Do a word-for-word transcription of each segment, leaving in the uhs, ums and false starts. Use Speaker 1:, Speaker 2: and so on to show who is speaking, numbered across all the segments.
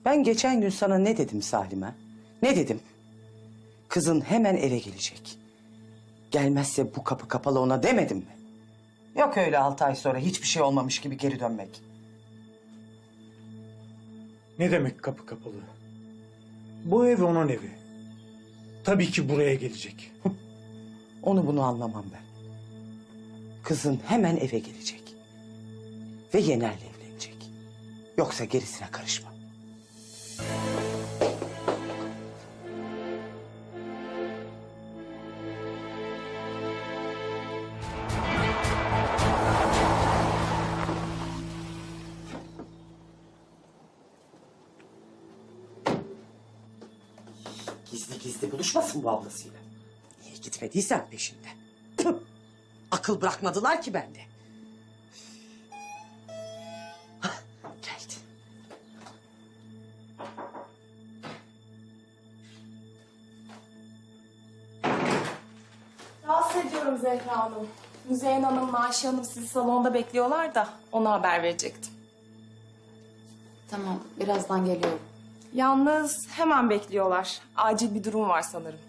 Speaker 1: Ben geçen gün sana ne dedim Salim'e? Ne dedim? Kızın hemen eve gelecek. Gelmezse bu kapı kapalı ona demedim mi? Yok öyle altı ay sonra hiçbir şey olmamış gibi geri dönmek.
Speaker 2: Ne demek kapı kapalı? Bu ev onun evi. Tabii ki buraya gelecek.
Speaker 1: Onu bunu anlamam ben. Kızın hemen eve gelecek. Ve Yener'le evlenecek. Yoksa gerisine karışma. Gizli gizli buluşmasın bu ablasıyla. Niye gitmediysen peşinde. Püh! Akıl bırakmadılar ki bende. Hah, geldi.
Speaker 3: Rahatsız ediyorum Zehra Hanım. Müzeyyen Hanım'la Ayşe Hanım sizi salonda bekliyorlar da ona haber verecektim.
Speaker 4: Tamam, birazdan geliyorum.
Speaker 3: Yalnız hemen bekliyorlar. Acil bir durum var sanırım.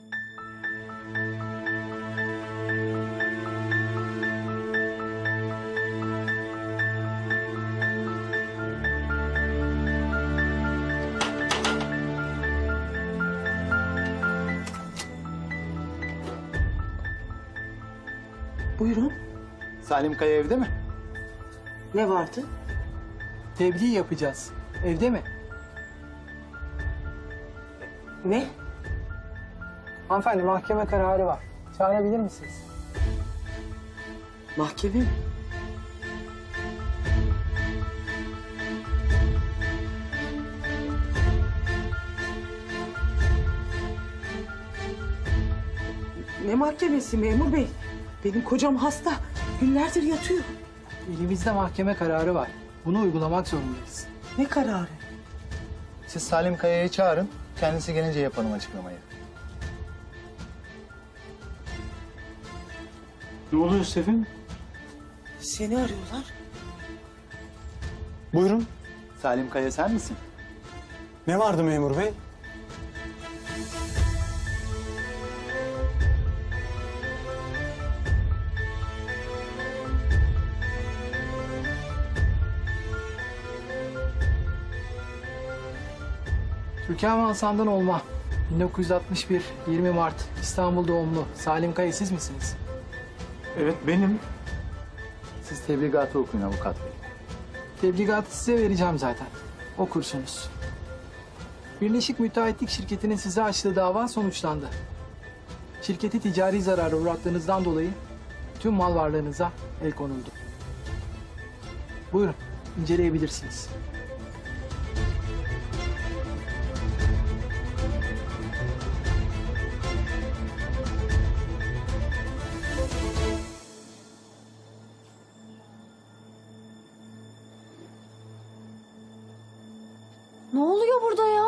Speaker 1: Buyurun.
Speaker 5: Salim Kaya evde mi?
Speaker 1: Ne vardı?
Speaker 6: Tebliğ yapacağız. Evde mi?
Speaker 1: Ne?
Speaker 6: Hanımefendi mahkeme kararı var. Çağırabilir misiniz?
Speaker 1: Mahkeme mi? Ne mahkemesi memur bey? Benim kocam hasta. Günlerdir yatıyor.
Speaker 6: Elimizde mahkeme kararı var. Bunu uygulamak zorundayız.
Speaker 1: Ne kararı?
Speaker 5: Siz Salim Kaya'yı çağırın. Kendisi gelince yapalım açıklamayı.
Speaker 2: Ne oluyor Sevim?
Speaker 1: Seni arıyorlar.
Speaker 2: Buyurun.
Speaker 5: Salim Kaya sen misin?
Speaker 2: Ne vardı memur bey?
Speaker 6: Türkan Hasan'dan olma. bin dokuz yüz altmış bir, yirmi Mart, İstanbul doğumlu. Salim Kaya siz misiniz?
Speaker 2: Evet benim.
Speaker 5: Siz tebligatı okuyun avukat bey.
Speaker 6: Tebligatı size vereceğim zaten. Okursunuz. Birleşik Müteahhitlik Şirketi'nin size açtığı dava sonuçlandı. Şirketi ticari zarara uğrattığınızdan dolayı tüm mal varlığınıza el konuldu. Buyurun, inceleyebilirsiniz.
Speaker 4: Ne oluyor burada ya?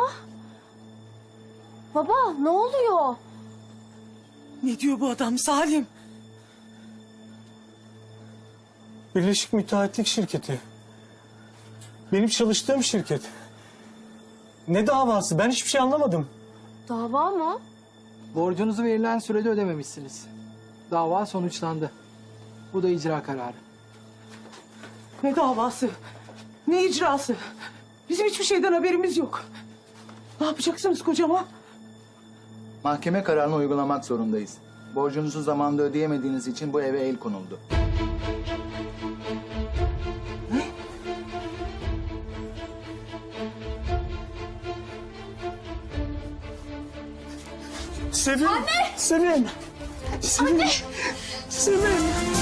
Speaker 4: Baba, ne oluyor?
Speaker 1: Ne diyor bu adam Salim?
Speaker 2: Birleşik Müteahhitlik Şirketi. Benim çalıştığım şirket. Ne davası? Ben hiçbir şey anlamadım.
Speaker 4: Dava mı?
Speaker 6: Borcunuzu verilen sürede ödememişsiniz. Dava sonuçlandı. Bu da icra kararı.
Speaker 1: Ne davası? Ne icrası? Bizim hiçbir şeyden haberimiz yok. Ne yapacaksınız kocama?
Speaker 5: Mahkeme kararını uygulamak zorundayız. Borcunuzu zamanında ödeyemediğiniz için bu eve el konuldu.
Speaker 2: Sevim. Anne. Sevim. Sevim. Anne. Sevim.